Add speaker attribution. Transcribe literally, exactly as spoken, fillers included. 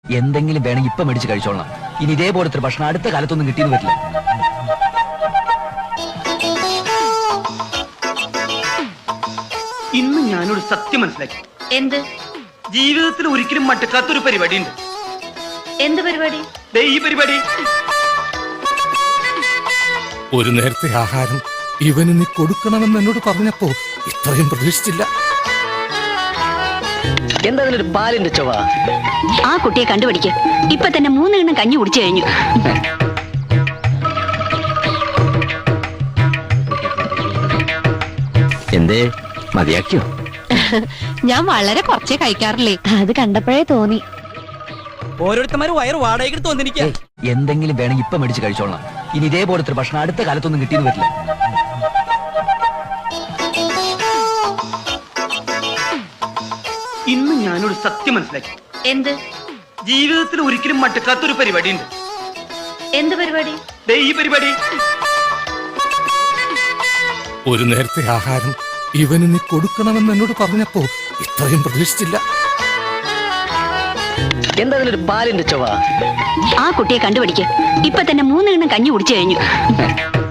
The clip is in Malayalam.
Speaker 1: എന്തെങ്കിലും വേണമെങ്കിൽ ഇപ്പൊ മേടിച്ച് കഴിച്ചോളാം. ഇനി ഇതേപോലത്തെ ഭക്ഷണം അടുത്ത കാലത്തൊന്നും കിട്ടിയെന്ന് വരില്ല.
Speaker 2: ഇന്ന് ഞാനൊരു സത്യം മനസ്സിലാക്കി.
Speaker 3: എന്ത്?
Speaker 2: ജീവിതത്തിൽ ഒരിക്കലും മട്ടക്കാത്തൊരു പരിപാടി ഉണ്ട്.
Speaker 3: എന്ത് പരിപാടി?
Speaker 2: ഈ പരിപാടി.
Speaker 4: ഒരു നേരത്തെ ആഹാരം ഇവന് നീ കൊടുക്കണമെന്ന് എന്നോട് പറഞ്ഞപ്പോ ഇത്രയും പ്രതീക്ഷിച്ചില്ല.
Speaker 1: എന്താ ഒരു പാലിന്റെ ചൊവ?
Speaker 3: ആ കുട്ടിയെ കണ്ടുപിടിക്ക്. ഇപ്പൊ തന്നെ മൂന്നെണ്ണം കഞ്ഞി കുടിച്ചു കഴിഞ്ഞു.
Speaker 1: എന്തേ മതിയാക്കിയോ?
Speaker 5: ഞാൻ വളരെ കുറച്ചേ കഴിക്കാറില്ലേ,
Speaker 3: അത് കണ്ടപ്പോഴേ തോന്നി.
Speaker 2: ഓരോരുത്തന്മാരും വയറ് വാടകയ്ക്ക് വന്നിരിക്കുക.
Speaker 1: എന്തെങ്കിലും വേണമെങ്കിൽ ഇപ്പൊ മേടിച്ച് കഴിച്ചോളാം. ഇനി ഇതേപോലത്തെ ഭക്ഷണം അടുത്ത കാലത്തൊന്നും കിട്ടിയെന്ന് വരില്ല.
Speaker 2: ഇന്ന് ഞാനൊരു സത്യം മനസ്സിലാക്കി.
Speaker 3: എന്ത്?
Speaker 2: ജീവിതത്തിൽ ഒരിക്കലും മട്ടക്കാത്തൊരു പരിപാടി ഉണ്ട്.
Speaker 3: എന്ത് പരിപാടി?
Speaker 2: ഈ പരിപാടി.
Speaker 4: ഒരു നേരത്തെ ആഹാരം ഇവന് നീ കൊടുക്കണമെന്ന് എന്നോട് പറഞ്ഞപ്പോ ഇത്രയും പ്രതീക്ഷിച്ചില്ല.
Speaker 1: എന്താ ഒരു പാലിന്റെ ചൊവ?
Speaker 3: ആ കുട്ടിയെ കണ്ടുപിടിക്ക്. ഇപ്പൊ തന്നെ മൂന്നെണ്ണം കഞ്ഞി കുടിച്ചു കഴിഞ്ഞു.